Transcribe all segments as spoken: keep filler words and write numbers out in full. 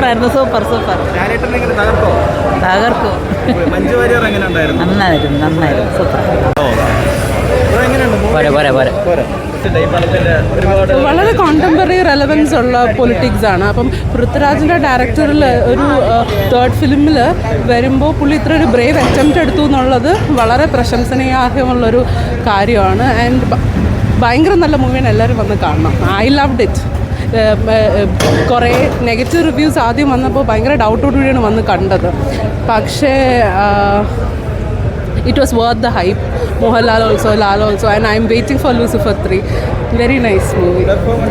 സൂപ്പറായിരുന്നു, super super. തകർക്കോ? തകർക്കും. മഞ്ജു വാര്യർ എങ്ങനെ ഉണ്ടായിരുന്നു? നന്നായിരുന്നു, നന്നായിരുന്നു, സൂപ്പർ. വളരെ കോണ്ടംപററി റെലവൻസ് ഉള്ള പൊളിറ്റിക്സ് ആണ്. അപ്പം പൃഥ്വിരാജിൻ്റെ ഡയറക്ടറിൽ ഒരു തേർഡ് ഫിലിമിൽ വരുമ്പോൾ പുള്ളി ഇത്ര ഒരു ബ്രേവ് അറ്റംപ്റ്റ് എടുത്തു എന്നുള്ളത് വളരെ പ്രശംസനീയാർഹമുള്ളൊരു കാര്യമാണ്. ആൻഡ് ഭയങ്കര നല്ല മൂവിയാണ്, എല്ലാവരും വന്ന് കാണണം. I loved it. കുറേ നെഗറ്റീവ് റിവ്യൂസ് ആദ്യം വന്നപ്പോൾ ഭയങ്കര ഡൗട്ടോടുകൂടിയാണ് വന്ന് കണ്ടത്. പക്ഷേ it was worth the hype. Mohanlal also, Lal also, and I'm waiting for Lucifer three. Very nice movie.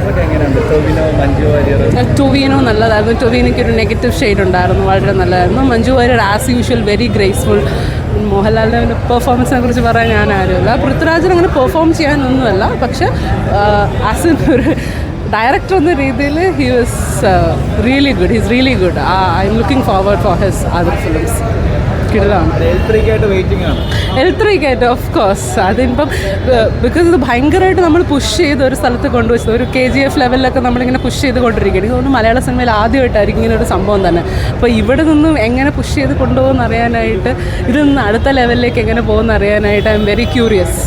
Tovino നല്ലതായിരുന്നു. ടൊവിനോയ്ക്ക് ഒരു നെഗറ്റീവ് ഷെയ്ഡ് ഉണ്ടായിരുന്നു, വളരെ നല്ലതായിരുന്നു. Manju Warrier as usual very graceful. മോഹൻലാലിൻ്റെ പെർഫോമൻസിനെ കുറിച്ച് പറയാൻ ഞാൻ ആരുമില്ല. പൃഥ്വിരാജിന് അങ്ങനെ പെർഫോം ചെയ്യാനൊന്നുമല്ല, പക്ഷെ ആസ് ഒരു ഡയറക്ടർ എന്ന രീതിയിൽ he was really good. He's really good. I am looking forward for his other films. കിടലാണ് എൽ ത്രീക്കായിട്ട് ഓഫ് കോഴ്സ്. അതിപ്പം ബിക്കോസ് ഇത് ഭയങ്കരമായിട്ട് നമ്മൾ പുഷ് ചെയ്ത് ഒരു സ്ഥലത്ത് കൊണ്ടുവച്ചത്, ഒരു കെ ജി എഫ് ലെവലിലൊക്കെ നമ്മളിങ്ങനെ പുഷ് ചെയ്ത് കൊണ്ടിരിക്കുകയാണ്. എനിക്ക് തോന്നുന്നു മലയാള സിനിമയിൽ ആദ്യമായിട്ടായിരിക്കും ഇങ്ങനെ ഒരു സംഭവം തന്നെ. അപ്പോൾ ഇവിടെ നിന്നും എങ്ങനെ പുഷ് ചെയ്ത് കൊണ്ടുപോകുമെന്ന് അറിയാനായിട്ട്, ഇതിൽ നിന്ന് അടുത്ത ലെവലിലേക്ക് എങ്ങനെ പോകുമെന്ന് അറിയാനായിട്ട് ഐ എം വെരി ക്യൂരിയസ്.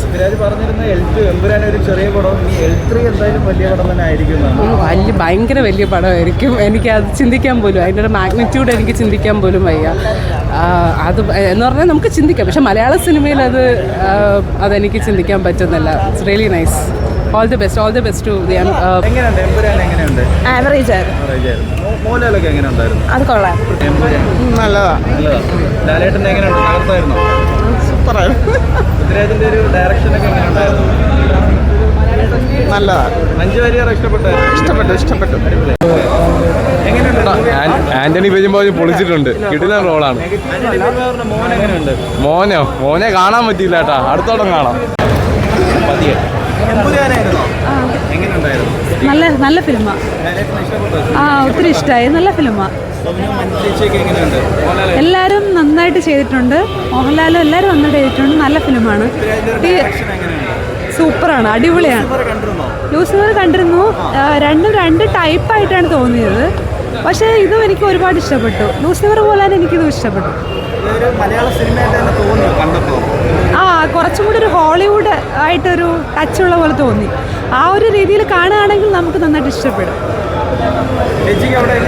വലിയ ഭയങ്കര വലിയ പടമായിരിക്കും. എനിക്ക് അത് ചിന്തിക്കാൻ പോലും, അതിൻ്റെ ഒരു മാഗ്നിറ്റ്യൂഡ് എനിക്ക് ചിന്തിക്കാൻ പോലും വയ്യ. അത് എന്ന് പറഞ്ഞാൽ നമുക്ക് ചിന്തിക്കാം, പക്ഷെ മലയാള സിനിമയിൽ അത് അതെനിക്ക് ചിന്തിക്കാൻ പറ്റുന്നില്ല. It's really nice. All the best, all the best to the. Average ആയിരുന്നു. അത് കൊള്ളാം, നല്ലതാ. സൂപ്പറായിരുന്നു, നല്ലതാ. മഞ്ജു വാര്യർ ഇഷ്ടപ്പെട്ടു ഇഷ്ടപ്പെട്ടു ഇഷ്ടപ്പെട്ടു ആന്റണി പെരുമ്പാവൂർ പൊളിച്ചിട്ടുണ്ട്. കിട്ടുന്ന റോളാണ്. മോനോ മോനെ കാണാൻ പറ്റിയില്ല കേട്ടാ, അടുത്തോളം കാണാം. നല്ല നല്ല ഫിലിമാണ്. ആ ഒത്തിരി ഇഷ്ടമായി, നല്ല ഫിലിമാണ്. എല്ലാവരും നന്നായിട്ട് ചെയ്തിട്ടുണ്ട്. മോഹൻലാലും എല്ലാവരും നന്നായിട്ട് ചെയ്തിട്ടുണ്ട്. നല്ല ഫിലിമാണ്, സൂപ്പറാണ്, അടിപൊളിയാണ്. ലൂസിഫർ കണ്ടിരുന്നു. രണ്ടും രണ്ട് ടൈപ്പായിട്ടാണ് തോന്നിയത്, പക്ഷേ ഇതും എനിക്ക് ഒരുപാട് ഇഷ്ടപ്പെട്ടു. ലൂസിഫർ പോലെ തന്നെ എനിക്കിതും ഇഷ്ടപ്പെട്ടു. ആ കുറച്ചും കൂടി ഒരു ഹോളിവുഡ് ആയിട്ടൊരു ടച്ചുള്ള പോലെ തോന്നി. ആ ഒരു രീതിയിൽ കാണുകയാണെങ്കിൽ നമുക്ക് നന്നായിട്ട് ഇഷ്ടപ്പെടും.